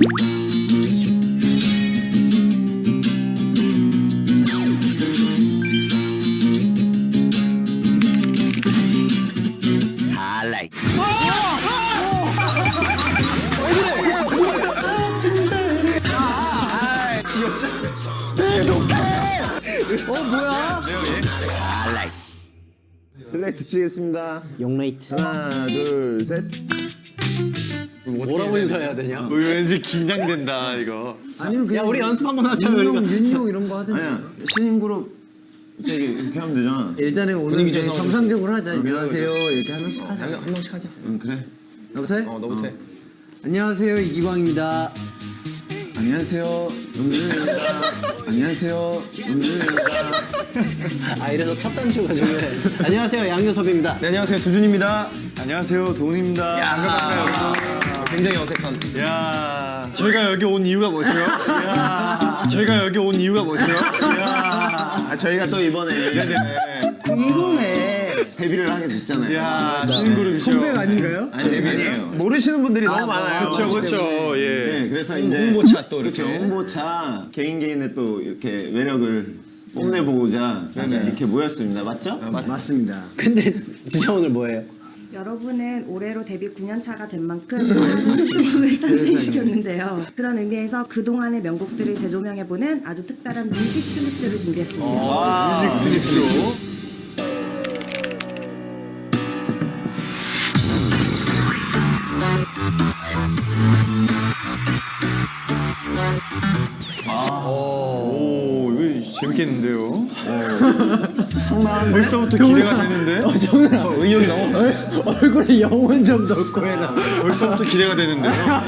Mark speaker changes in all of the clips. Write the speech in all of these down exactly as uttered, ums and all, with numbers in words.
Speaker 1: 어 뭐야?
Speaker 2: 슬레이트 치겠습니다.
Speaker 1: 용레이트.
Speaker 2: 하나, 둘, 셋.
Speaker 1: 뭐라고 인사해야 되냐?
Speaker 3: 왠지 긴장된다 이거.
Speaker 4: 아니면 그냥
Speaker 1: 야 우리 연습 한번 하자.
Speaker 4: 윤용, 윤용 이런 거 하든지.
Speaker 2: 아니야, 신인 그룹 이렇게, 이렇게 하면 되잖아.
Speaker 4: 일단은 오늘
Speaker 3: 분위기
Speaker 4: 그냥
Speaker 3: 조성하고
Speaker 4: 정상적으로 하자. 안녕하세요. 이렇게 한 명씩 하자.
Speaker 3: 한 명씩 하자.
Speaker 2: 응, 그래.
Speaker 4: 나부터 해?
Speaker 3: 어 너부터 해.
Speaker 4: 안녕하세요. 이기광입니다.
Speaker 2: 안녕하세요, 음준입니다. 안녕하세요, 음준입니다.
Speaker 1: 아 이래서 첫 단추가 중요해. 안녕하세요 양효섭입니다.
Speaker 3: 네 안녕하세요 두준입니다. 안녕하세요 도훈입니다. 야 반갑습니다. 굉장히 어색한. 야 저희가 여기 온 이유가 뭐죠? 야 저희가 여기 온 이유가 뭐죠? 야
Speaker 2: 아, 저희가 또 이번에
Speaker 3: 네네.
Speaker 4: 궁금해.
Speaker 2: 데뷔를 하게 됐잖아요.
Speaker 3: 야 신인 그룹이죠.
Speaker 4: 선배가 아닌가요?
Speaker 2: 아니, 데뷔예요. 모르시는 분들이 너무 많아요.
Speaker 3: 그렇죠 그렇죠. 예.
Speaker 2: 네, 그래서 이제
Speaker 3: 홍보차 또 이렇게.
Speaker 2: 그렇죠, 홍보차 개인 개인의 또 이렇게 매력을 뽐내보고자 이렇게 모였습니다. 맞죠?
Speaker 4: 맞습니다.
Speaker 1: 근데 진짜 오늘 뭐예요?
Speaker 5: 여러분은 올해로 데뷔 구 년 차가 된 만큼 많은 특종을 탄생시켰는데요. 그런 의미에서 그동안의 명곡들을 재조명해보는 아주 특별한 뮤직 슬립쇼를 준비했습니다.
Speaker 3: 아, 뮤직 뮤직쇼. 오 이거 재밌겠는데요?
Speaker 2: 상당한
Speaker 3: 벌써부터 기대가 되는데?
Speaker 4: 어, 정은아.
Speaker 3: 의욕이 너무
Speaker 4: 얼, 얼굴에 영혼 좀 넣고 해라.
Speaker 3: 벌써부터 기대가 되는데요?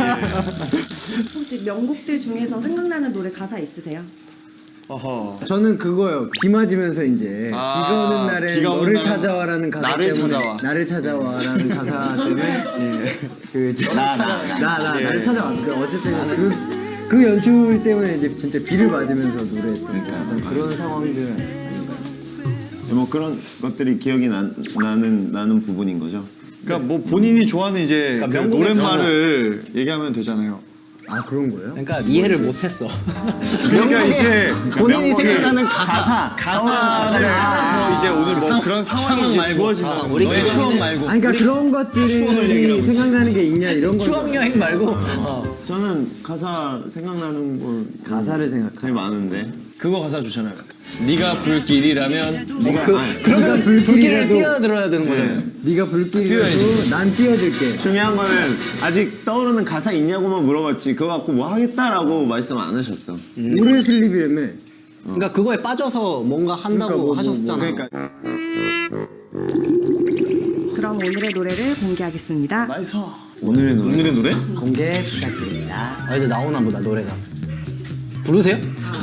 Speaker 5: 혹시 명곡들 중에서 생각나는 노래 가사 있으세요?
Speaker 3: 어허.
Speaker 4: 저는 그거요. 비 맞으면서 이제
Speaker 3: 아,
Speaker 4: 비가 오는 날에
Speaker 3: 비가 오는
Speaker 4: 너를
Speaker 3: 날에
Speaker 4: 찾아와라는 가사
Speaker 3: 나를
Speaker 4: 때문에
Speaker 3: 찾아와.
Speaker 4: 나를 찾아와라는 가사 때문에 그나나나 나, 나,
Speaker 3: 예.
Speaker 4: 나를 찾아와. 그 어쨌든 그 그 연출 때문에 이제 진짜 비를 맞으면서 노래했던 약간 그런 상황들.
Speaker 2: 뭐 그런 것들이 기억이 나, 나는 나는 부분인 거죠.
Speaker 3: 그러니까 뭐 본인이 좋아하는 이제
Speaker 1: 그러니까
Speaker 3: 그
Speaker 1: 명곡의
Speaker 3: 노랫말을 얘기하면 되잖아요.
Speaker 4: 아 그런 거예요?
Speaker 1: 그러니까 이해를 못했어.
Speaker 3: 그러니까 이제
Speaker 1: 본인이
Speaker 3: 명곡의
Speaker 1: 생각나는 가사.
Speaker 3: 가사를 따라서 이제 오늘 뭐 그런 상황이 이제 부어진다.
Speaker 1: 아, 우리
Speaker 3: 너의 추억 말고.
Speaker 4: 아니 그러니까 그런 것들이 생각나는 게 있냐 이런 거.
Speaker 1: 추억 여행 말고. 어.
Speaker 2: 저는 가사 생각나는 걸
Speaker 4: 가사를 생각하.
Speaker 2: 되게 많은데.
Speaker 3: 그거 가사 좋잖아요. 네가 불길이라면
Speaker 2: 네가
Speaker 4: 그,
Speaker 2: 아니,
Speaker 4: 그러면
Speaker 1: 불길을
Speaker 4: 불길이라도
Speaker 1: 뛰어들어야 되는 거잖아요.
Speaker 4: 네가 불길이라도 난 뛰어들게.
Speaker 2: 중요한 거는 아직 떠오르는 가사 있냐고만 물어봤지 그거 갖고 뭐 하겠다라고 말씀 안 하셨어.
Speaker 4: 오래 슬립이라며.
Speaker 1: 그러니까 그거에 빠져서 뭔가 한다고
Speaker 4: 그러니까 뭐, 뭐,
Speaker 1: 하셨잖아.
Speaker 2: 그러니까
Speaker 5: 그럼 오늘의 노래를 공개하겠습니다.
Speaker 3: 나이스.
Speaker 2: 오늘의 노래.
Speaker 3: 오늘의 노래?
Speaker 4: 공개 부탁드립니다.
Speaker 1: 아 이제 나오나 보다 노래가. 부르세요?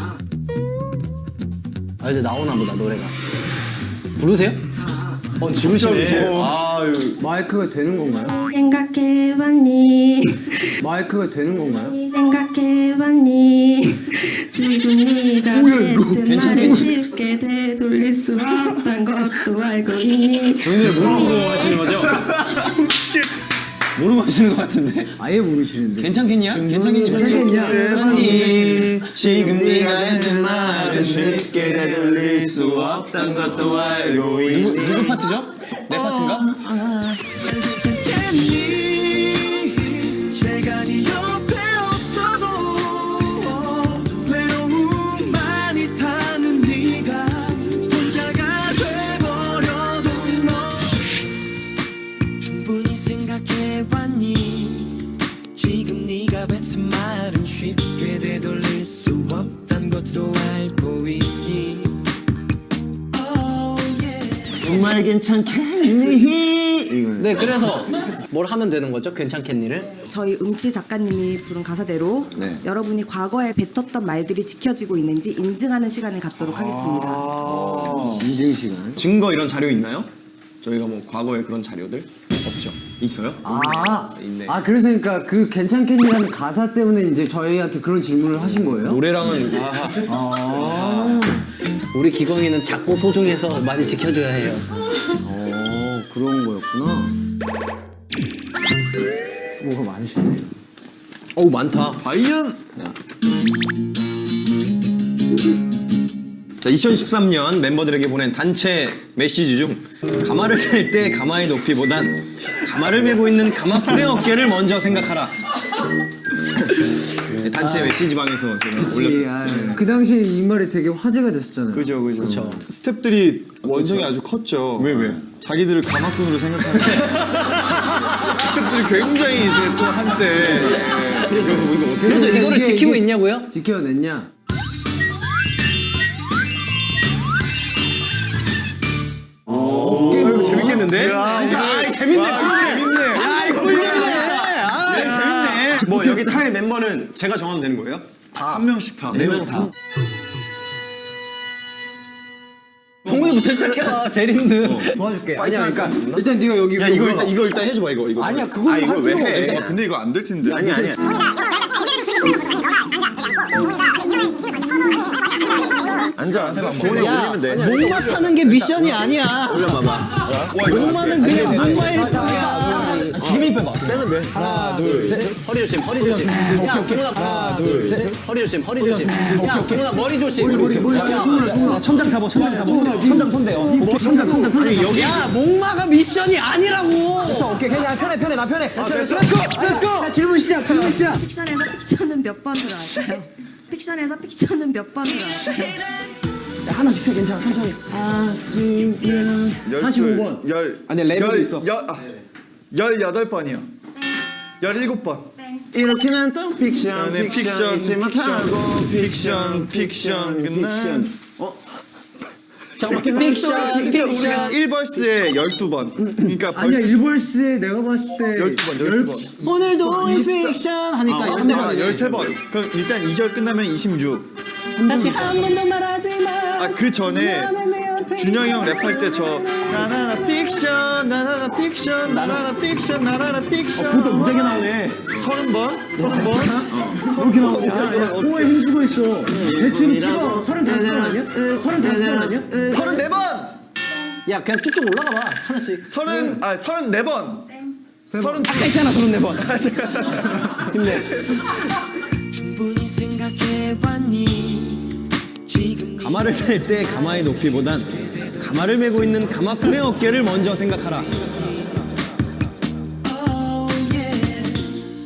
Speaker 1: 아 이제 나오나 보다 노래가. 부르세요?
Speaker 3: 어 지르시네. 아유.
Speaker 4: 마이크가 되는 건가요?
Speaker 5: 생각해봤니?
Speaker 4: 마이크가 되는 건가요?
Speaker 5: 생각해봤니? 지금 네가 했던 말을 쉽게 되돌릴 수 없단 것도 알고 있니?
Speaker 3: 저희는 모르고 하시는 거죠? 모르고 하시는 것 같은데.
Speaker 4: 아예 모르시는데.
Speaker 3: 괜찮겠냐? 괜찮겠냐?
Speaker 4: 괜찮겠냐?
Speaker 3: 아니, 지금 네가 했는
Speaker 2: 말을 쉽게 되돌릴 수 없단 것도 알고 있니.
Speaker 3: 누구, 누구 파트죠? 내 파트인가?
Speaker 6: 내가 네 옆에 없어도 외로움 많이 타는 네가 혼자가 돼버려도 너 충분히 생각해봤니 지금 네가 뱉은 말은 쉽게 되돌릴 수 없단 것도 알고 있니 oh, yeah.
Speaker 2: 정말 괜찮겠니? 이거.
Speaker 1: 네 그래서 뭘 하면 되는 거죠? 괜찮겠니를?
Speaker 5: 저희 음치 작가님이 부른 가사대로
Speaker 2: 네.
Speaker 5: 여러분이 과거에 뱉었던 말들이 지켜지고 있는지 인증하는 시간을 갖도록 하겠습니다.
Speaker 3: 아.
Speaker 4: 인증 시간.
Speaker 3: 증거 이런 자료 있나요? 저희가 뭐 과거에 그런 자료들? 없죠. 있어요?
Speaker 4: 아,
Speaker 3: 있네.
Speaker 4: 아 그래서 그러니까 그 괜찮겠니라는 가사 때문에 이제 저희한테 그런 질문을 하신 거예요?
Speaker 3: 노래랑은
Speaker 4: 아,
Speaker 1: 우리 기광이는 작고 소중해서 많이 지켜줘야 해요.
Speaker 4: 어 그런 거였구나. 수고가 많으시네요.
Speaker 1: 어우 많다.
Speaker 3: 과연
Speaker 1: 자, 이천십삼 년 멤버들에게 보낸 단체 메시지 중 가마를 뗄 때 가마의 높이보단 가마를 메고 있는 가마풀의 어깨를 먼저 생각하라. 네, 단체 메시지방에서 제가 올렸.
Speaker 4: 그치, 아, 그 당시에 이 말이 되게 화제가 됐었잖아요.
Speaker 3: 그죠 그죠. 스탭들이 원성이 아주 컸죠. 왜 왜? 자기들을 가마꾼으로 생각하는. 스탭들이 굉장히 이제 또 한때. 예. 그래서 뭐 이거 어떻게?
Speaker 1: 그래서 이거를
Speaker 4: 이게-
Speaker 1: 지키고
Speaker 4: 이게
Speaker 1: 있냐고요?
Speaker 4: 지켜냈냐?
Speaker 3: 오, 재밌겠는데?
Speaker 1: 아, 재밌네.
Speaker 3: 재밌네.
Speaker 1: 야, 이거 재밌네. 아, 재밌네. 뭐 여기 탈 멤버는 제가 정하면 되는 거예요?
Speaker 3: 한 명씩 다.
Speaker 1: 네 명 다. 동훈이부터 시작해봐. 제일 힘든.
Speaker 4: 도와줄게. 아니야, 그러니까 일단 네가 여기.
Speaker 1: 야, 이거 일단 이거 일단 해줘봐 이거 이거.
Speaker 4: 아니야, 그건
Speaker 1: 아, 이걸
Speaker 4: 할
Speaker 1: 왜
Speaker 4: 필요가
Speaker 1: 해?
Speaker 4: 없어.
Speaker 3: 아, 근데 이거 안 될 텐데.
Speaker 1: 아니 아니야. 앉아. 동훈이 올리면 돼. 목마 타는 게 미션이 아니야. 올려봐봐. 목마는 그냥 목마일 뿐이야. 지금 힘 빼봐. 빼면 돼. 하나, 둘, 셋. 허리 조심, 허리 조심. 야, 동훈아. 하나, 둘, 셋. 허리 조심, 허리 조심. 야, 동훈아 머리 조심. 머리, 머리, 머리. 천장 잡아, 천장 잡아. 천장 손대요. 천장, 천장, 천장. 아니 여기. 야, 목마가 미션이 아니라고. 됐어, 오케이. 그냥 편해, 편해, 나 편해. 렛츠고, 렛츠고.
Speaker 4: 자, 질문 시작, 질문 시작.
Speaker 5: 픽션에서 픽션은 몇 번으로 할까요? 픽션에서 픽션은 몇 번으로 할까요?
Speaker 1: 하나씩 세 괜찮아, 천천히.
Speaker 4: 사십오 번.
Speaker 3: 열.
Speaker 1: 아니, 레벨이 있어.
Speaker 3: 열, 아, 열여덟 번이요. 열일곱 번.
Speaker 2: 이렇게는 또 픽션,
Speaker 3: 네, 픽션,
Speaker 2: 잊지 못하고
Speaker 3: 픽션, 픽션, 끝난.
Speaker 1: 잠깐만, 픽션,
Speaker 3: 우리가
Speaker 1: 픽션.
Speaker 3: 일 벌스에 열두 번. 그러니까
Speaker 4: 아니야,
Speaker 3: 벌써
Speaker 4: 일벌스에 내가 봤을 때
Speaker 3: 열두 번, 열두 번.
Speaker 1: 오늘도 이 픽션 하니까 열세
Speaker 3: 아,
Speaker 1: 번.
Speaker 3: 열세 번. 그럼 일단 이 절 끝나면 이십육.
Speaker 1: 다시 한 번 더 말하지 마.
Speaker 3: 아, 그 전에 준영이 형 랩할 때 저 나나나 픽션, 나나나 픽션, 나나나 픽션, 나나나 픽션.
Speaker 1: 그것도 무지하게 나오네.
Speaker 3: 서른 번? 서른 번?
Speaker 1: 그렇게 나오냐?
Speaker 4: 코에 힘주고 있어. 대충 키가 서른다섯 번 아니야? 서른다섯 번 아니야?
Speaker 3: 서른네 번!
Speaker 1: 야, 그냥 쭉쭉 올라가 봐. 하나씩.
Speaker 3: 서른, 아, 서른네 번! 서른
Speaker 1: 아까 있잖아, 서른네 번. 힘내.
Speaker 6: 충분히 생각해봤니 지금
Speaker 1: 가마를 뗄 때 가마의 높이보단 가마를 메고 있는 가마풀의 어깨를 먼저 생각하라.
Speaker 6: oh yeah.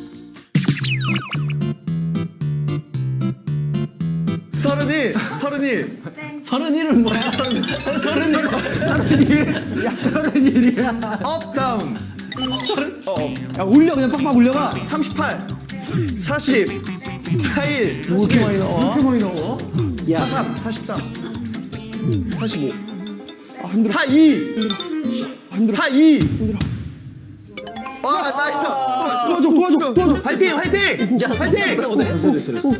Speaker 3: 서른이! 서른이!
Speaker 1: 서른일은 뭐야? 서른일. 서른일. 야, 서른일이야.
Speaker 3: 업, 다운!
Speaker 1: 야, 올려, 그냥 빡빡 올려봐.
Speaker 3: 삼십팔! 사십! 사십일!
Speaker 1: 뭐 이렇게 많이 나와?
Speaker 4: 이렇게 많이 나와?
Speaker 1: 야,
Speaker 3: 사십삼! 사십삼! 사십오! 아, 힘들어. 사십이! 힘들어. 사십이! 힘들어. 아, 나이스!
Speaker 1: 도와줘, 도와줘, 도와줘. 화이팅, 화이팅! 야, 화이팅! 어, 됐어, 됐어, 됐어.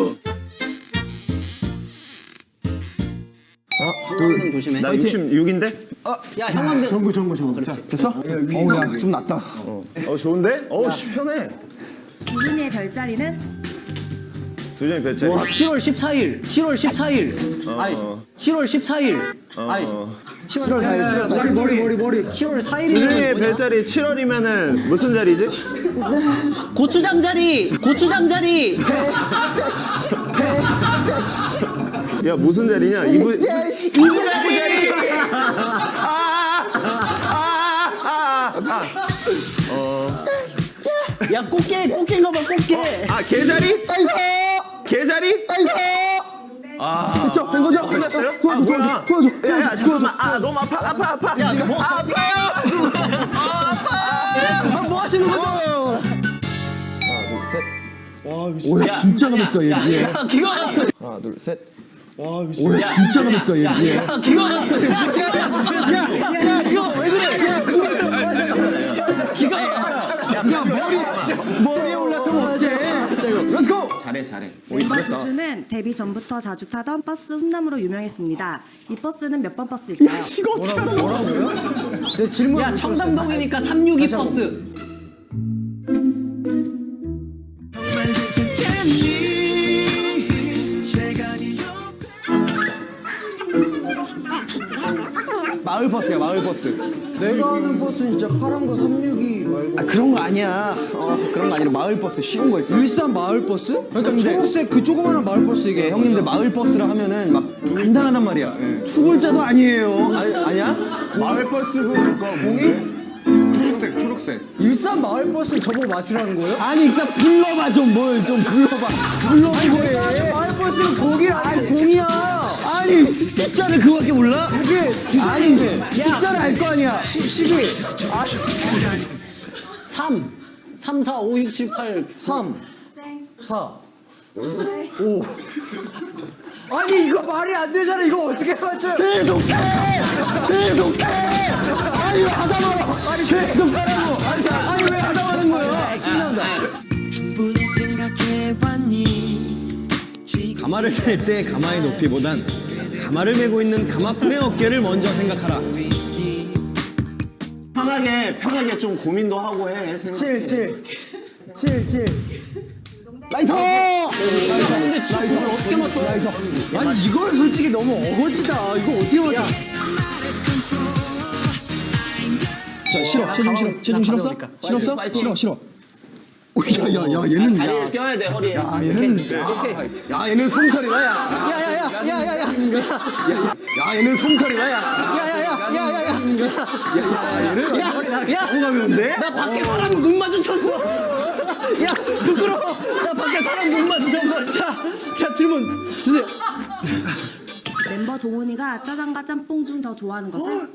Speaker 1: 둘, 조심해.
Speaker 2: 나 육십육인데?
Speaker 1: 야, 형광등.
Speaker 4: 정구, 정구, 정구. 자,
Speaker 1: 됐어? 어우, 야, 좀 낫다.
Speaker 2: 어 좋은데? 어 씨, 편해.
Speaker 5: 이준이의 별자리는
Speaker 2: 두준이 배째.
Speaker 1: 와, 칠월 십사일. 칠월 십사일. 아이, 칠월 십사일. 아이, 칠월 사일. 칠월
Speaker 4: 머리, 머리, 머리, 머리.
Speaker 1: 칠월
Speaker 2: 두준이의
Speaker 1: 사일이면
Speaker 2: 별자리 칠월이면은 무슨 자리지?
Speaker 1: 고추장 자리. 고추장 자리.
Speaker 2: 야 무슨 자리냐? 이부
Speaker 1: 이부 자리. 야, 꽃게, 꽃게인 거 봐, 꽃게.
Speaker 2: 아 개자리? 개자리?
Speaker 1: 됐죠? 된 거죠?
Speaker 2: 끝났어요?
Speaker 1: 도와줘,
Speaker 2: 아,
Speaker 1: 도와줘,
Speaker 2: 뭐야?
Speaker 1: 도와줘,
Speaker 2: 야, 야,
Speaker 1: 도와줘,
Speaker 2: 잠깐만. 아 너무 아파 아파 아파.
Speaker 1: 야, 뭐,
Speaker 2: 아파요.
Speaker 1: 아, 뭐 하시는 거죠?
Speaker 3: 와,
Speaker 1: 진짜 가볍다, 얘. 야, 기가 막혀.
Speaker 2: 하나 둘 셋.
Speaker 3: 와, 이거
Speaker 1: 진짜 가볍다, 얘. 야, 기가 막혀. 야, 야, 야, 이거 왜 그래? 기가 막혀. 야, 머리, 머리에 올라타면 어떡해. 진짜 이거. 렛츠고!
Speaker 2: 잘해 잘해.
Speaker 5: 멤버 두준은 데뷔 전부터 자주 타던 버스 훈남으로 유명했습니다. 이 버스는 몇 번 버스일까요?
Speaker 4: 제 질문.
Speaker 1: 야, 청담동이니까 삼육이 버스.
Speaker 6: 정말 괜찮겠니 내가 네 옆에
Speaker 1: 마을 버스야, 마을 버스.
Speaker 4: 내가 아는 버스는 진짜 파란 거 삼육이 말고.
Speaker 1: 아 그런 거 아니야. 어 그런 거 아니라 마을 버스 쉬운 거 있어.
Speaker 4: 일산 마을 버스? 그러니까
Speaker 1: 근데-
Speaker 4: 초록색 그 조그마한 마을 버스
Speaker 1: 이게
Speaker 4: 이게
Speaker 1: 형님들 마을 버스라 하면은 막 간단하단 말이야. 두 글자도 아니에요. 아니, 아니야?
Speaker 3: 마을 버스고 그거 공이? 초록색 초록색.
Speaker 4: 일산 마을 버스 저보고 맞추라는 거예요?
Speaker 1: 아니 일단 불러봐 좀 뭘 좀 불러봐. 불러봐 왜?
Speaker 4: 마을 버스는 공이 아니고 공이야.
Speaker 1: 아니 숫자를 그거밖에 몰라?
Speaker 4: 그게
Speaker 1: 아니
Speaker 4: 주제인데.
Speaker 1: 숫자를 알 거 아니야.
Speaker 4: 십, 십일,
Speaker 1: 삼, 삼, 사, 오, 육, 칠, 팔.
Speaker 4: 삼, 사, 오. 아니 이거 말이 안 되잖아. 이거 어떻게 맞춰요?
Speaker 1: 계속해! 계속해! 아니 왜 하다 말아? 아니 계속하라고! 아니, 아니 왜 하다 마는 거야?
Speaker 4: 신난다.
Speaker 6: 충분히 생각해봤니 지금
Speaker 1: 가마를 댈 때 가마의 높이보단 가마를 메고 있는 가마풀의 어깨를 먼저 생각하라.
Speaker 2: 편하게 편하게 좀 고민도 하고 해. 생각해.
Speaker 4: 칠, 칠, 칠, 칠.
Speaker 1: 라이터! 근데 진짜 그걸 어떻게 맞춰?
Speaker 4: 아니 이걸 솔직히 너무 어거지다. 이거 어떻게 맞춰?
Speaker 7: 자 싫어 체중 싫어 체중 싫었어? 싫었어?
Speaker 2: 파이팅.
Speaker 7: 싫어 싫어 야야야 얘는
Speaker 2: 다리를
Speaker 7: 야,
Speaker 2: 껴야 돼 허리에.
Speaker 7: 야 얘는 야 얘는 솜털이다 야.
Speaker 4: 야야야야야야야.
Speaker 7: 야 얘는 솜털이다 야.
Speaker 4: 야야야야야야.
Speaker 1: 야! 가면 돼? 나 밖에 사람 눈 마주쳤어! 야! 부끄러워! 나 밖에 사람 눈 마주쳤어! 자! 자 질문 주세요!
Speaker 5: 멤버 동훈이가 짜장과 짬뽕 중 더 좋아하는 것은?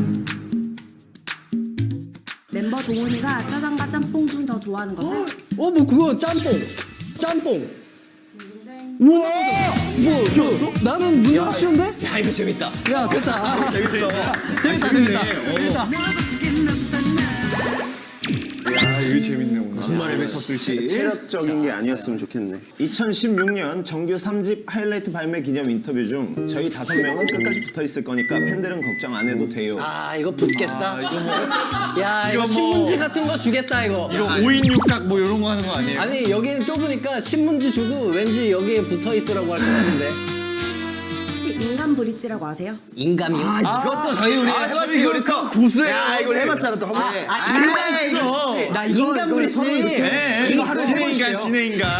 Speaker 5: 멤버 동훈이가 짜장과 짬뽕 중 더 좋아하는 것은?
Speaker 1: 어 뭐 그거 짬뽕! 짬뽕! 우와! 뭐 이거 나는 문제가 쉬운데? 야 이거 재밌다! 야 됐다! 재밌어! 재밌다 재밌다! 재밌다!
Speaker 3: 야 이거 재밌네 오늘.
Speaker 2: 무슨 말을 뱉었을지 체력적인 게 아니었으면 좋겠네. 이천십육 년 정규 삼 집 하이라이트 발매 기념 인터뷰 중 저희 다섯 명은 끝까지 붙어 있을 거니까 팬들은 걱정 안 해도 돼요.
Speaker 1: 아 이거 붙겠다. 야 이거
Speaker 3: 이거 뭐-
Speaker 1: 신문지 같은 거 주겠다 이거.
Speaker 3: 이거 오 인 육각 뭐 이런 거 하는 거 아니에요?
Speaker 1: 아니 여기는 좁으니까 신문지 주고 왠지 여기에 붙어 있으라고 할 것 같은데.
Speaker 5: 혹시 인간 브릿지라고 아세요?
Speaker 1: 인감이요?
Speaker 7: 아 이것도 저희 우리
Speaker 3: 해봤지 우리 또 고수해.
Speaker 7: 야 이걸 해봤잖아 또 한번.
Speaker 1: 아, 인간 이거. 나 인간 브릿지.
Speaker 3: 네,
Speaker 1: 이거 하루
Speaker 3: 진해
Speaker 1: 해보실게요.
Speaker 3: 인간 진해 인간.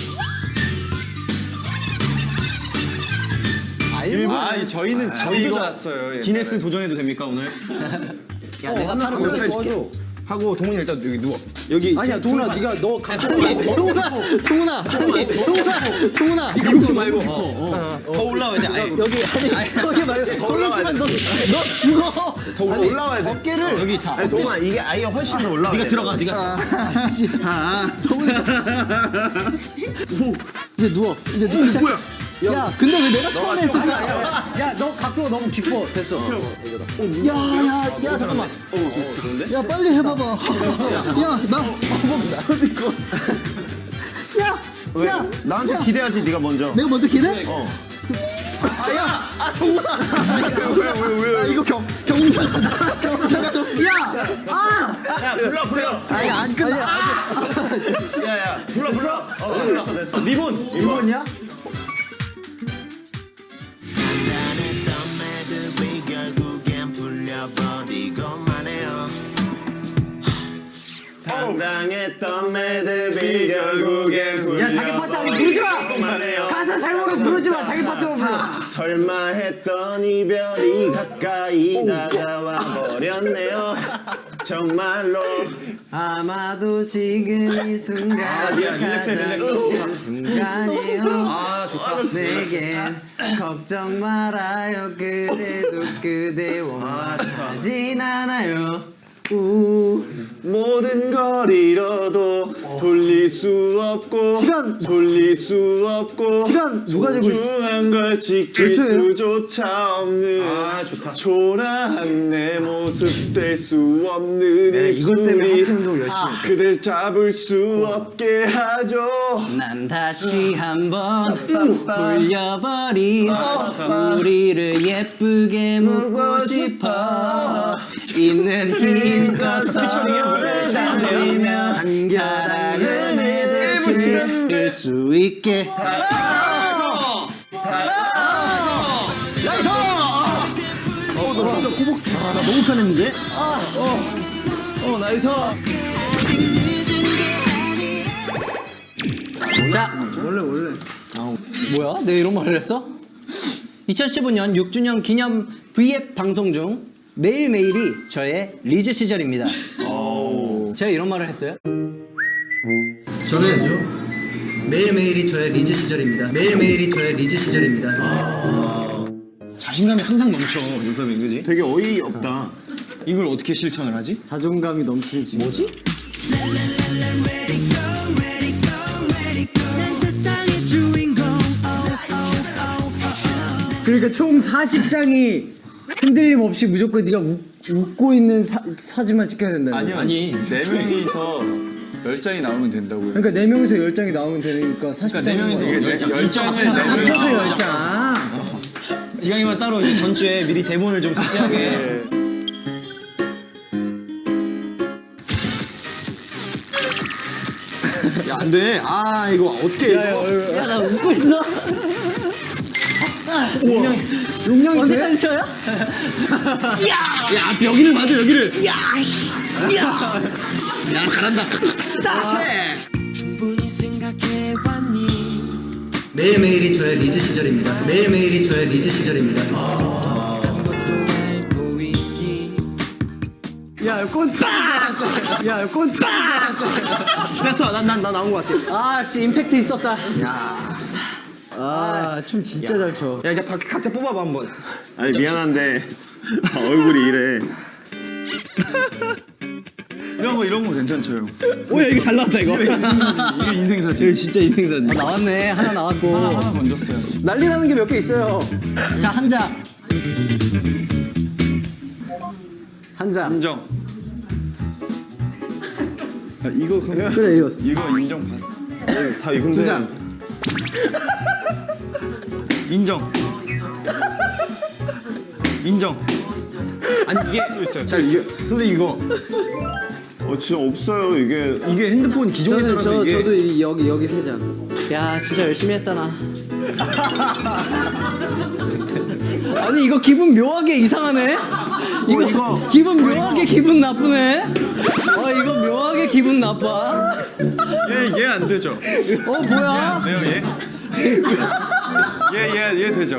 Speaker 3: 아, 이 저희는 저희도 잤어요.
Speaker 2: 기네스 도전해도 됩니까 오늘?
Speaker 1: 야 내가 타는
Speaker 7: 한번
Speaker 1: 거
Speaker 7: 해줄게. 하고 동훈이 일단 여기 누워. 여기
Speaker 4: 아니야 동훈아 네가 너 갖고
Speaker 1: 동훈아, 동훈아, 아니, 동훈아, 동훈아.
Speaker 4: 눕지 말고.
Speaker 2: 더 올라와야 돼. 아니,
Speaker 1: 여기 아니 거기 말고
Speaker 2: 더 올라와야
Speaker 1: 너, 너 죽어.
Speaker 2: 더 올라와야 돼.
Speaker 1: 어깨를
Speaker 2: 여기 다. 아니 동아 이게 아예 훨씬 더 올라와. 네가 들어가. 네가.
Speaker 1: 이제 누워. 이제 누워. 시작. 뭐야? 야, 근데 왜 내가 처음에 했을 때?
Speaker 4: 야 너 각도가 너무 깊어. 됐어.
Speaker 1: 야, 야, 야, 잠깐만. 야, 빨리 해봐봐. 야, 나 터질 거. 야, 야,
Speaker 2: 나한테 기대하지 네가 먼저.
Speaker 1: 내가 먼저 기대?
Speaker 2: 어.
Speaker 1: 야, 아, 동훈아. 왜왜왜 왜? 이거 경 경사가 경사가 졌어. 야, 아,
Speaker 2: 야 불러 불러.
Speaker 1: 아니 안 끝나.
Speaker 2: 야야 불러 불러. 어 됐어 됐어. 리본 리본.
Speaker 4: 이거냐?
Speaker 6: 단단했던 매듭이 결국엔 풀려버리고만 해요
Speaker 2: 당당했던 매듭이 결국엔
Speaker 4: 야 자기 파트 아니 부르지 마.
Speaker 2: 그만해요.
Speaker 4: 가사 잘 모르고 부르지 마. 자기 파트만 불러.
Speaker 2: 설마 했던 이별이 가까이 다가와 버렸네요. 정말로.
Speaker 4: 아마도 지금 이 순간
Speaker 2: 아니야, 릴렉스해, 릴렉스.
Speaker 4: 순간이요.
Speaker 2: 아 좋다.
Speaker 4: 내겐 걱정 말아요. 그래도 그대 원하진 않아요. 우
Speaker 2: 모든 걸 잃어도 돌릴 수 없고
Speaker 4: 시간!
Speaker 2: 돌릴 수 없고
Speaker 4: 시간! 누가 재고 있어?
Speaker 2: 소중한 걸 지킬
Speaker 4: 벨트예요?
Speaker 2: 수조차 없는
Speaker 3: 아, 좋다.
Speaker 2: 초라한 내 모습 될 수 없는
Speaker 4: 네, 이것 때문에
Speaker 2: 입술이
Speaker 4: 하체 운동을 열심히 했어.
Speaker 2: 그댈 잡을 수 없게 하죠.
Speaker 1: 난 다시 한번 돌려버린 우리를 예쁘게 묻고 싶어 있는 힘껏 서로를 다지며 사랑을 맺을 수 있게
Speaker 7: 어나 진짜 고복. 아나 너무 편했는데. 어어 나이스.
Speaker 1: 자,
Speaker 4: 원래 원래.
Speaker 1: 뭐야? 내가 이런 말을 했어? 이천십오 년 육 주년 기념 브이앱 방송 중 매일매일이 저의 리즈 시절입니다. 제가 이런 말을 했어요? 저는 매일매일이 저의 리즈 시절입니다. 매일매일이 저의 리즈 시절입니다.
Speaker 3: 자신감이 항상 넘쳐 요섭이 그지?
Speaker 2: 되게 어이없다.
Speaker 3: 이걸 어떻게 실천을 하지?
Speaker 4: 자존감이 넘치는 친구. 뭐지? 그러니까 총 사십 장이 흔들림 없이 무조건 네가 웃, 웃고 있는 사, 사진만 찍혀야 된다는
Speaker 3: 아니
Speaker 4: 거야.
Speaker 3: 아니 네 명이서 열 장이 나오면 된다고요.
Speaker 4: 그러니까 네 명에서 열 장이 나오면 되니까 사십 장.
Speaker 3: 그러니까 네 명이서 열 장, 열 장을 네
Speaker 4: 합쳐서
Speaker 3: 명이서
Speaker 4: 열 장.
Speaker 3: 기강이만 따로 이제 전주에 미리 대본을 좀 숙지하게.
Speaker 7: 야, 안 돼. 아, 이거 어떻게.
Speaker 1: 야, 나 웃고 있어?
Speaker 4: 용량이 돼?
Speaker 1: 언제까지 쳐요?
Speaker 7: 야, 여기를 맞아, 여기를. 야,
Speaker 6: 충분히 생각해봤니
Speaker 1: 매일매일이 저의 리즈 시절입니다. 매일매일이 저의 리즈 시절입니다.
Speaker 6: 것도 알고 있니
Speaker 4: 야, 꼰투. 야, 꼰투.
Speaker 7: 됐어. 난, 난, 나 나온 것 같아.
Speaker 1: 아, 씨, 임팩트 있었다.
Speaker 4: 아, 춤 진짜 잘 춰.
Speaker 7: 야, 이제 각, 각자 뽑아봐, 한번.
Speaker 2: 아니 미안한데 얼굴이 이래.
Speaker 3: 이런 거 이런 거 괜찮죠 형.
Speaker 7: 오, 야, 이거 잘 나왔다, 이거.
Speaker 3: 이게 인생 사진. 이거 진짜 인생 사진.
Speaker 1: 아, 나왔네. 하나 나왔고.
Speaker 3: 하나 건졌어요.
Speaker 1: 난리 나는 게 몇 개 있어요. 자, 한 장. 한 장.
Speaker 3: 인정. 아, 이거 그래
Speaker 4: 그래, 이거.
Speaker 3: 이거 인정 받.
Speaker 2: 다 이건데.
Speaker 4: 두 장.
Speaker 3: 인정. 인정. 아니 이게 또 있어요.
Speaker 7: 잘, 이게. 선생님, 이거.
Speaker 2: 어 진짜 없어요 이게.
Speaker 3: 이게 핸드폰 기종에
Speaker 4: 저는
Speaker 3: 따라서
Speaker 4: 저
Speaker 3: 이게
Speaker 4: 저도 이, 여기 여기 세 장.
Speaker 1: 야, 진짜 열심히 했다, 나. 아니, 이거 기분 묘하게 이상하네? 이거,
Speaker 2: 이거.
Speaker 1: 기분 묘하게 기분 나쁘네? 어, 이거 묘하게 기분 나빠.
Speaker 3: 얘얘 안 되죠.
Speaker 1: 어, 뭐야?
Speaker 3: 네요 얘. 얘얘얘 얘 되죠.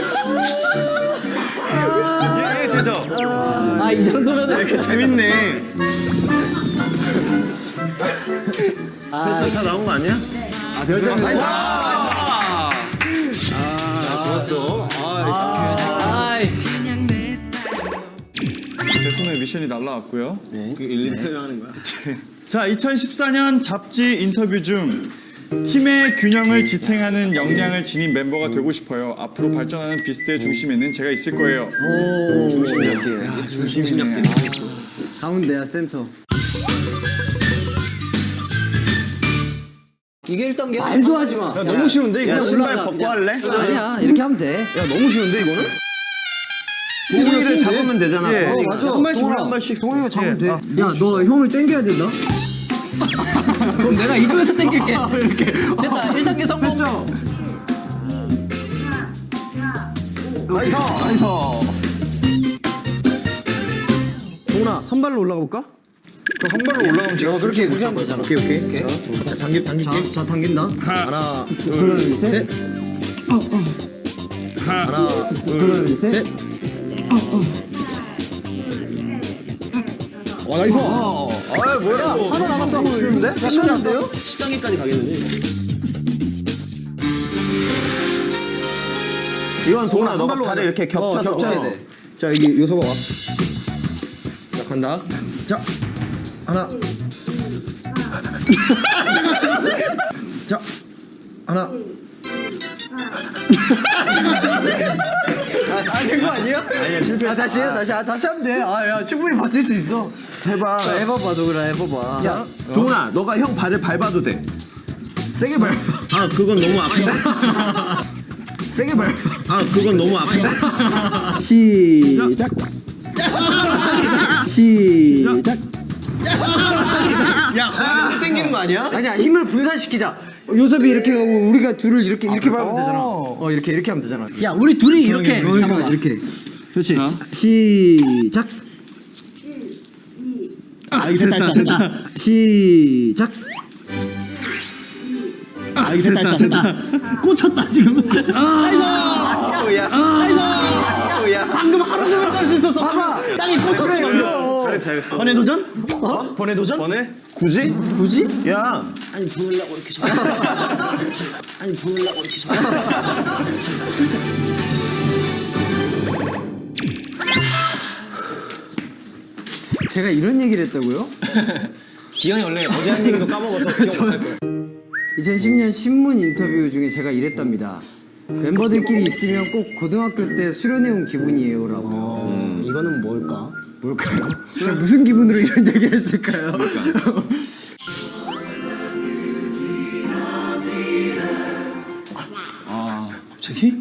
Speaker 3: 얘얘 되죠.
Speaker 1: 아, 이 정도면.
Speaker 3: 재밌네.
Speaker 2: 아, 다 나온 거 아니야?
Speaker 4: 아, 별장.
Speaker 3: 아,
Speaker 2: 좋았어.
Speaker 1: 아이.
Speaker 3: 제 손에 미션이 날라왔고요.
Speaker 2: 그 일일이 설명하는 거야.
Speaker 3: 자, 이천십사 년 잡지 인터뷰 중 팀의 균형을 지탱하는 역량을 지닌 멤버가 되고 싶어요. 앞으로 발전하는 비스트의 중심에는 제가 있을 거예요.
Speaker 4: 오.
Speaker 2: 중심 잡기.
Speaker 3: 중심 잡기.
Speaker 4: 가운데야 센터.
Speaker 1: 이게 일 단계야?
Speaker 4: 말도 하지 마.
Speaker 7: 야, 너무 쉬운데, 이거.
Speaker 2: 야 신발
Speaker 4: 올라가,
Speaker 2: 벗고
Speaker 4: 그냥.
Speaker 2: 할래?
Speaker 4: 아니야, 이렇게 하면 돼.
Speaker 7: 야, 너무 쉬운데, 이거는?
Speaker 2: 고기를 잡으면 되잖아.
Speaker 3: 예.
Speaker 4: 어,
Speaker 2: 고기가.
Speaker 4: 맞아.
Speaker 7: 한 발씩
Speaker 4: 동훈아,
Speaker 7: 올라, 한 발씩.
Speaker 4: 동훈이가 잡으면
Speaker 3: 예.
Speaker 4: 돼.
Speaker 3: 아,
Speaker 4: 야, 너 형을 땡겨야 된다.
Speaker 1: 그럼 내가 이쪽에서 땡길게. 이렇게. 됐다. 일 단계 성공.
Speaker 7: 나이스, 나이스. 동훈아, 한 발로 올라가 볼까?
Speaker 3: 한 발로 올라가면 제가
Speaker 4: 어, 그렇게 그렇게 하면 되잖아.
Speaker 7: 오케이, 오케이. 자, 당길, 당길게.
Speaker 4: 자, 자 당긴다.
Speaker 7: 하나, 둘, 셋. 하나, 둘, 셋. 와, 나이스.
Speaker 2: 아 뭐야?
Speaker 1: 하나 남았어.
Speaker 7: 쉬운데?
Speaker 4: 끝났는데요?
Speaker 7: 십 단계까지 가겠는데?
Speaker 2: 이건 동훈아 너가
Speaker 7: 발로
Speaker 2: 발을
Speaker 7: 가자.
Speaker 2: 이렇게
Speaker 4: 어,
Speaker 2: 겹쳐서.
Speaker 4: 겹쳐야 돼.
Speaker 7: 자, 여기 요소 봐봐. 자, 간다. 자, 하나. 자, 하나.
Speaker 4: 아, 된 거 아니야?
Speaker 2: 아니야 실패.
Speaker 4: 아, 다시 해, 다시, 아, 다시 하면 돼. 아, 야, 충분히 버틸 수 있어.
Speaker 2: 해봐.
Speaker 4: 자, 해봐봐, 도그라, 해봐봐. 야,
Speaker 2: 동훈아 너가 형 발을 밟아도 돼.
Speaker 4: 세게 밟아.
Speaker 2: 아 그건 너무 아픈가?
Speaker 4: 세게 밟아.
Speaker 2: 아 그건 너무 아픈가?
Speaker 4: 시작. 시작.
Speaker 7: 야, 가면 땡기는 거 아니야?
Speaker 4: 아니야, 힘을 분산시키자. 요섭이 이렇게 하고 우리가 둘을 이렇게 이렇게 밟으면 되잖아. 어, 이렇게 이렇게 하면 되잖아.
Speaker 1: 야, 우리 둘이 이렇게
Speaker 4: 그러니까
Speaker 1: 잡아봐.
Speaker 4: 이렇게. 그렇지. 시, 시작.
Speaker 7: 아, 이거 됐다, 됐다.
Speaker 4: 시작.
Speaker 7: 아,
Speaker 1: 아, 이거 됐다, 됐다. 꽂혔다, 지금. 아이고! 아이고! 방금 하루 종일 깔 수 있었어. 봐봐! 땅이 꽂혔어, 방금.
Speaker 2: 잘했어 잘했어.
Speaker 1: 번외 도전? 어? 번외 도전?
Speaker 2: 번에? 굳이?
Speaker 1: 굳이?
Speaker 2: 야
Speaker 1: 아니, 보려고 이렇게 잡아. 아니, 보려고 이렇게 잡아.
Speaker 4: 제가 이런 얘기를 했다고요?
Speaker 2: 기현이 원래 어제 한 얘기도 까먹어서 기억 못할 거야.
Speaker 4: 이천십 년 신문 인터뷰 중에 제가 이랬답니다. 멤버들끼리 있으면 꼭 고등학교 때 수련해온 기분이에요라고.
Speaker 1: 이거는 뭘까?
Speaker 4: 뭘까요? 제가 무슨 기분으로 이런 얘기를 했을까요?
Speaker 1: 갑자기?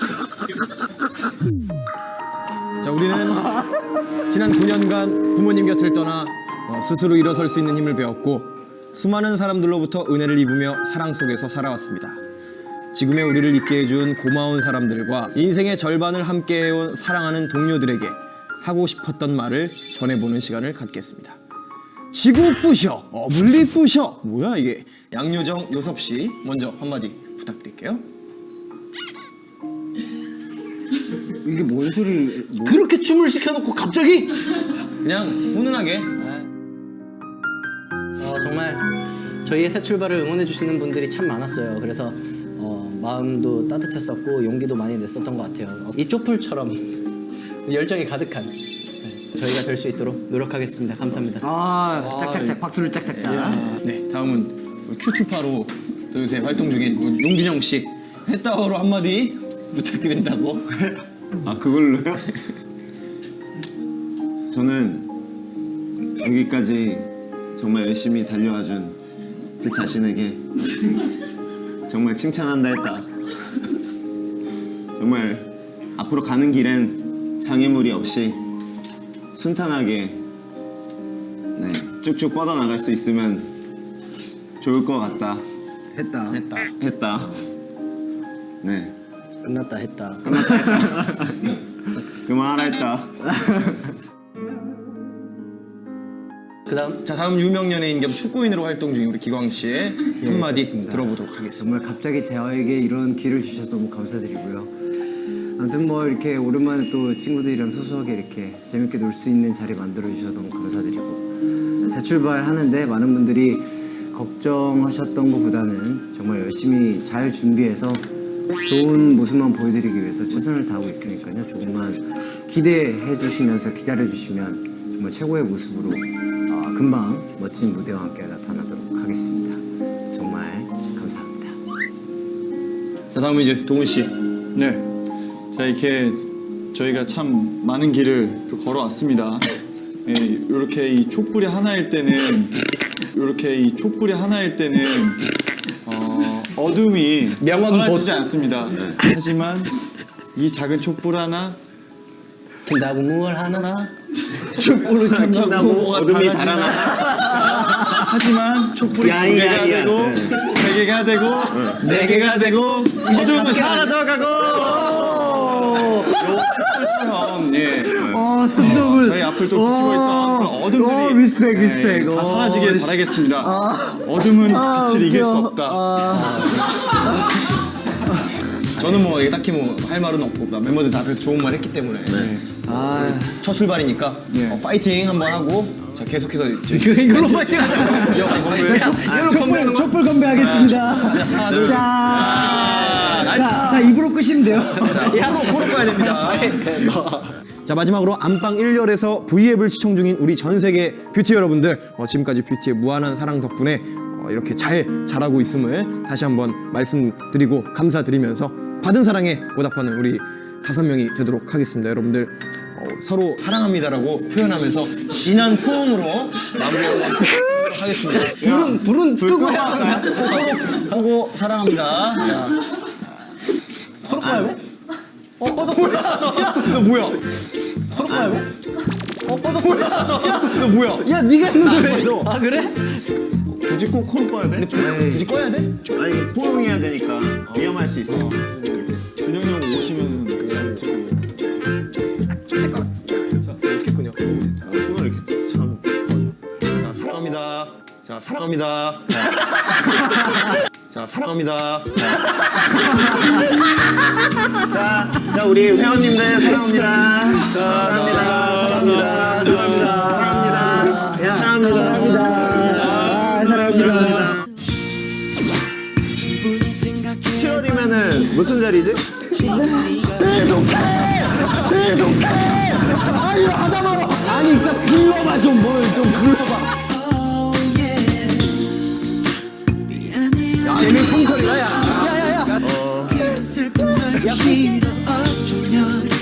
Speaker 7: 자, 우리는 지난 구 년간 부모님 곁을 떠나 어, 스스로 일어설 수 있는 힘을 배웠고 수많은 사람들로부터 은혜를 입으며 사랑 속에서 살아왔습니다. 지금의 우리를 있게 해준 고마운 사람들과 인생의 절반을 함께 해온 사랑하는 동료들에게 하고 싶었던 말을 전해보는 시간을 갖겠습니다. 지구 부셔, 어물리 부셔. 뭐야 이게? 양요정 요섭 씨 먼저 한마디 부탁드릴게요.
Speaker 4: 이게 뭔 소리? 뭐...
Speaker 1: 그렇게 춤을 시켜놓고 갑자기?
Speaker 7: 그냥 훈훈하게.
Speaker 1: 어, 정말 저희의 새 출발을 응원해주시는 분들이 참 많았어요. 그래서 어, 마음도 따뜻했었고 용기도 많이 냈었던 것 같아요. 이 쪽풀처럼 열정이 가득한 네, 저희가 될 수 있도록 노력하겠습니다. 감사합니다.
Speaker 4: 아, 짝짝짝 박수를 짝짝짝.
Speaker 7: 네, 다음은 큐투파로 또 요새 활동 중인 용준영 씨. 해따오로 한마디 부탁드린다고.
Speaker 2: 아 그걸로요? 저는 여기까지 정말 열심히 달려와준 제 자신에게 정말 칭찬한다 했다. 정말 앞으로 가는 길엔 장애물이 없이 순탄하게 네, 쭉쭉 뻗어나갈 수 있으면 좋을 것 같다
Speaker 4: 했다.
Speaker 7: 했다.
Speaker 2: 했다. 네.
Speaker 1: 끝났다 했다.
Speaker 2: 그만하라 했다.
Speaker 1: 그다음
Speaker 7: 자, 다음 유명 연예인 겸 축구인으로 활동 중인 우리 기광 씨의 한마디 들어보도록 하겠습니다.
Speaker 4: 정말 갑자기 저에게 이런 기회를 주셔서 너무 감사드리고요. 아무튼 뭐 이렇게 오랜만에 또 친구들이랑 소소하게 이렇게 재밌게 놀 수 있는 자리 만들어 주셔서 너무 감사드리고 새 출발하는데 많은 분들이 걱정하셨던 것보다는 정말 열심히 잘 준비해서 좋은 모습만 보여드리기 위해서 최선을 다하고 있으니까요. 조금만 기대해 주시면서 기다려 주시면 정말 최고의 모습으로 어, 금방 멋진 무대와 함께 나타나도록 하겠습니다. 정말 감사합니다.
Speaker 7: 자, 다음은 이제 도훈 씨.
Speaker 3: 네. 자, 이렇게 저희가 참 많은 길을 또 걸어왔습니다. 네, 이렇게 이 촛불이 하나일 때는 이렇게 이 촛불이 하나일 때는 어, 어둠이
Speaker 1: 명언
Speaker 3: 사라지지 않습니다. 하지만 이 작은 촛불 하나
Speaker 1: 든다고 뭘 하나?
Speaker 3: 촛불을 켠다고
Speaker 2: 어둠이 달아나.
Speaker 3: 하지만 촛불이
Speaker 2: 야,
Speaker 3: 두 개가
Speaker 2: 야, 야.
Speaker 3: 되고
Speaker 2: 네.
Speaker 3: 세 개가 되고 네 개가 되고 어둠은 사라져가고 촛불처럼 예.
Speaker 4: 어, 손톱을
Speaker 3: 저희 앞을 또 비추고 있던 그런 어둠들이
Speaker 4: 어, 리스펙,
Speaker 3: 예,
Speaker 4: 리스펙.
Speaker 3: 다
Speaker 4: 어,
Speaker 3: 사라지길
Speaker 4: 리-
Speaker 3: 바라겠습니다.
Speaker 4: 아.
Speaker 3: 어둠은
Speaker 4: 아,
Speaker 3: 빛을 이길 수
Speaker 4: 웃겨.
Speaker 3: 없다.
Speaker 4: 아,
Speaker 7: 저는 뭐 딱히 뭐 할 말은 없고 멤버들 다 그래서 좋은 말 했기 때문에
Speaker 4: 아,
Speaker 7: 첫 출발이니까
Speaker 3: 네.
Speaker 7: 어, 파이팅 한번 하고 자 계속해서 이제
Speaker 1: 이걸로 파이팅 하자.
Speaker 7: 이어가서
Speaker 4: 촛불, 촛불 건배하겠습니다.
Speaker 7: 하나 둘 셋.
Speaker 4: 자, 자, 자, 입으로 끄시면 돼요.
Speaker 7: 코로 코로 가야 됩니다. 자, 마지막으로 안방 일 열에서 V앱을 시청 중인 우리 전 세계 뷰티 여러분들 어, 지금까지 뷰티의 무한한 사랑 덕분에 어, 이렇게 잘 자라고 있음을 다시 한번 말씀드리고 감사드리면서 받은 사랑에 보답하는 우리 다섯 명이 되도록 하겠습니다. 여러분들 어, 서로 사랑합니다라고 표현하면서 진한 포옹으로 마무리하도록 하겠습니다.
Speaker 1: 불은 불은 끄고 해야 하나?
Speaker 7: 보고 사랑합니다. 자,
Speaker 1: 서로 가요? 어 꺼졌어.
Speaker 7: 너 뭐야?
Speaker 1: 서로 가요? 어 꺼졌어.
Speaker 7: 너 뭐야?
Speaker 1: 야 네가 했는데 왜?
Speaker 7: 있어.
Speaker 1: 아 그래?
Speaker 2: 굳이 꼭 코로 꺼야 돼?
Speaker 7: 굳이 꺼야 돼?
Speaker 2: 아니 포용해야 되니까 위험할 수 있어.
Speaker 3: 준영이 형 오시면 그냥
Speaker 7: 이렇게군요.
Speaker 2: 손을 이렇게 참.
Speaker 7: 자, 사랑합니다. 자, 사랑합니다. 자. 자, 사랑합니다.
Speaker 2: 자, 자 우리 회원님들 사랑합니다. 사랑합니다. 사랑합니다. 사랑합니다. 사랑합니다. 사랑합니다.
Speaker 6: 충분히 생각해
Speaker 2: 칠월이면은 무슨 자리지?
Speaker 1: 아유 하다 말아. 아니 그러니까 불러봐 좀 뭘 좀 불러봐.
Speaker 6: 미안해
Speaker 1: 얘는 성철이다 야. 야야야.
Speaker 6: 슬픈 말 필요 없으면